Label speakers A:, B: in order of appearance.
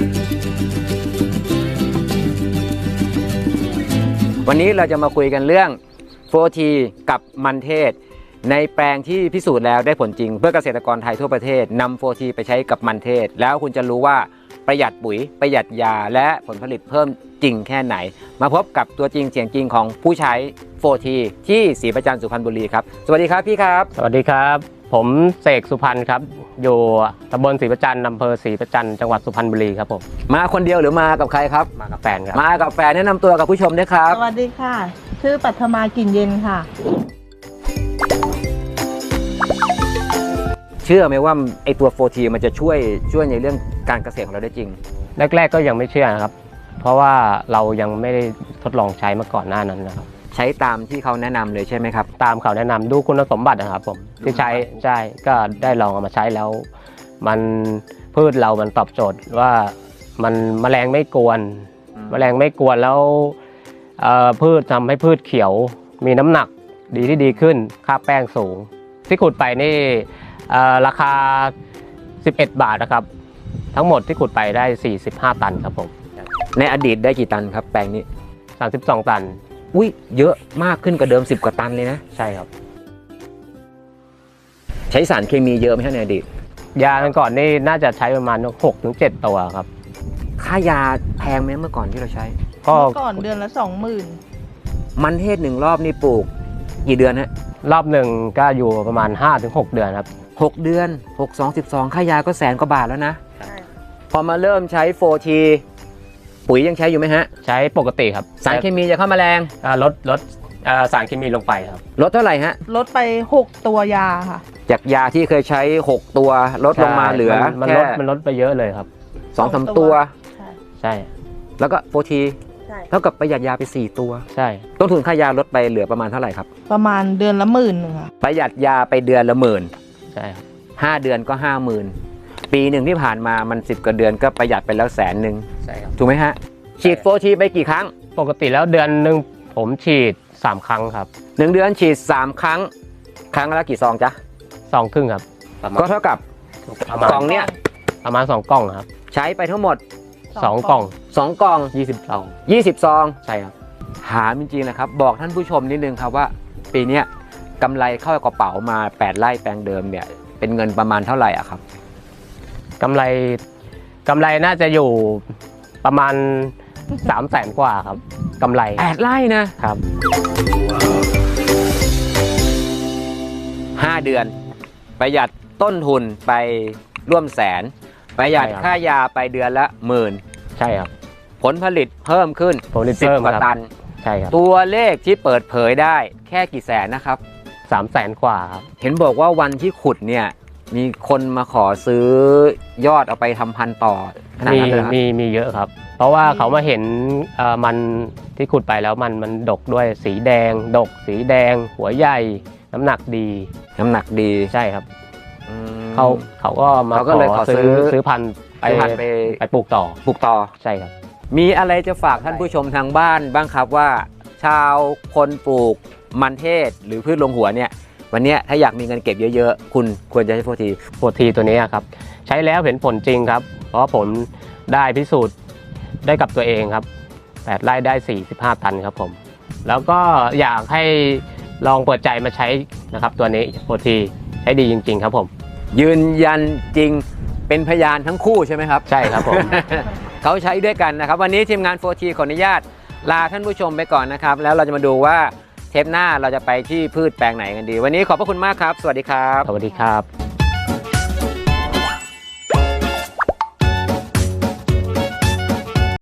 A: วันนี้เราจะมาคุยกันเรื่อง 4T กับมันเทศในแปลงที่พิสูจน์แล้วได้ผลจริงเพื่อเกษตรกรไทยทั่วประเทศนำ 4T ไปใช้กับมันเทศแล้วคุณจะรู้ว่าประหยัดปุ๋ยประหยัดยาและผลผลิตเพิ่มจริงแค่ไหนมาพบกับตัวจริงเสียงจริงของผู้ใช้ 4T ที่ศรีประจันทร์สุพรรณบุรีครับสวัสดีครับพี่ครับ
B: สวัสดีครับผมเสกสุพรรณครับอยู่ตำบลศรีประจันทร์อำเภอศรีประจันทร์จังหวัดสุพรรณบุรีครับผม
A: มาคนเดียวหรือมากับใครครับ
B: มากับแฟนครับ
A: มากับแฟนแนะนำตัวกับผู้ชมด้วยครับ
C: สวัสดีค่ะชื่อปัทมากลิ่นเย็นค่ะ
A: เชื่อไหมว่าไอตัว 4T มันจะช่วยในเรื่องการเกษตรของเราได้จริง
B: แรกๆก็ยังไม่เชื่อนะครับเพราะว่าเรายังไม่ได้ทดลองใช้มาก่อนหน้านั้นนะครับ
A: ใช้ตามที่เขาแนะนำเลยใช่ไหมครับ
B: ตามเขาแนะนำดูคุณสมบัตินะครับผมที่ใช้ก็ได้ลองเอามาใช้แล้วมันพืชเรามันตอบโจทย์ว่ามันแมลงไม่กวนแล้วพืชทำให้พืชเขียวมีน้ำหนักดีขึ้นค่าแป้งสูงที่ขุดไปนี่ราคา11 บาทนะครับทั้งหมดที่ขุดไปได้45 ตันครับผม
A: ในอดีตได้กี่ตันครับแปลงนี้
B: 32 ตัน
A: อุ้ยเยอะมากขึ้นกว่าเดิม10 กว่าตันเลยนะ
B: ใช่ครับ
A: ใช้สารเคมีเยอะไหมในอดีต
B: ยาก่อนนี่น่าจะใช้ประมาณ 6-7 ตัวครับ
A: ค่ายาแพงไหมเมื่อก่อนที่เราใช้
C: เมื่อก่อนเดือนละ 20,000
A: มันเทศ1รอบนี่ปลูกกี่เดือนฮะ
B: รอบหนึ่งก็อยู่ประมาณ 5-6 เดือนครับ
A: 6 เดือน6 2 12ค่ายาก็100,000 กว่าบาทแล้วนะพอมาเริ่มใช้ 4T ปุ๋ยยังใช้อยู่ไหมฮะ
B: ใช้ปกติครับ
A: สารเคมีจะเข้ามาแรง
B: ลดสารเคมีลงไปครับ
A: ลดเท่าไหร่ฮะ
C: ลดไป6 ตัวยาค่ะ
A: จากยาที่เคยใช้6 ตัวลดลงมาเหลือ
B: มันลดไปเยอะเลยครับ
A: 2-3 ตัว
B: ใช่
A: แล้วก็ 4T เท่ากับประหยัดยาไป4 ตัว
B: ใช่
A: ต้นทุนค่ายาลดไปเหลือประมาณเท่าไหร่ครับ
C: ประมาณเดือนละ10,000ค่ะ
A: ประหยัดยาไปเดือนละ10,000
B: ใช่ครับ
A: 5 เดือนก็ 50,000ปีหนึ่งที่ผ่านมามัน10 กว่าเดือนก็ประหยัดไปแล้ว100,000
B: ใช่ครับ
A: ถูกไหมฮะฉีด 4T ไปกี่ครั้ง
B: ปกติแล้วเดือนนึงผมฉีด3 ครั้งครับ
A: 1 เดือนฉีด3 ครั้งครั้งละกี่ซองจ๊ะ
B: 2 ครึ่งครับ
A: ก็เท่ากับกล่องเนี้ย
B: ประมาณ2 กล่องครับ
A: ใช้ไปทั้งหมด
B: 2 กล่อง
A: 2 กล่อง
B: 20 ซอง
A: 20 ซอง
B: ใช่ครับ
A: ถามจริงๆนะครับบอกท่านผู้ชมนิดนึงครับว่าปีนี้กำไรเข้ากระเป๋ามา8 ไร่แปลงเดิมเนี่ยเป็นเงินประมาณเท่าไหร่อะครับ
B: กำไรน่าจะอยู่ประมาณ300,000 กว่าครับกำไร
A: 8 ไร่นะครับ5 เดือนประหยัดต้นทุนไปร่วม100,000ประหยัดค่ายาไปเดือนละ10,000
B: ใช่ครับ
A: ผลผลิตเพิ่มขึ้น10 กว่าตัน
B: ใช่ครับ
A: ตัวเลขที่เปิดเผยได้แค่กี่แสนนะครับ
B: 300,000 กว่าครับ
A: เห็นบอกว่าวันที่ขุดเนี่ยมีคนมาขอซื้อยอดเอาไปทำพันธุ์ต่อขนาดนั้นเลยครับ
B: มีเยอะครับเพราะว่าเขามาเห็นมันที่ขุดไปแล้วมันดกด้วยสีแดงหัวใหญ่น้ำหนักดีใช่ครับเขาก็มาขอซื้อพันธุ์ไปปลูกต่อใช่ครับ
A: มีอะไรจะฝากท่านผู้ชมทางบ้านบ้างครับว่าชาวคนปลูกมันเทศหรือพืชลงหัวเนี่ยวันนี้ถ้าอยากมีเงินเก็บเยอะๆคุณควรจะใช้
B: 4T ตัวนี้ครับใช้แล้วเห็นผลจริงครับเพราะผมได้พิสูจน์ได้กับตัวเองครับ8 ไร่ได้45 ตันครับผมแล้วก็อยากให้ลองเปิดใจมาใช้นะครับตัวนี้ 4T ใช้ดีจริงๆครับผม
A: ยืนยันจริงเป็นพยานทั้งคู่ใช่ไหมครับ
B: ใช่ครับผม
A: เขาใช้ด้วยกันนะครับวันนี้ทีมงาน 4T ขออนุญาตลาท่านผู้ชมไปก่อนนะครับแล้วเราจะมาดูว่าเทปหน้าเราจะไปที่พืชแปลงไหนกันดีวันนี้ขอบพระคุณมากครับสวัสดีครับ
B: สวัสดีครับ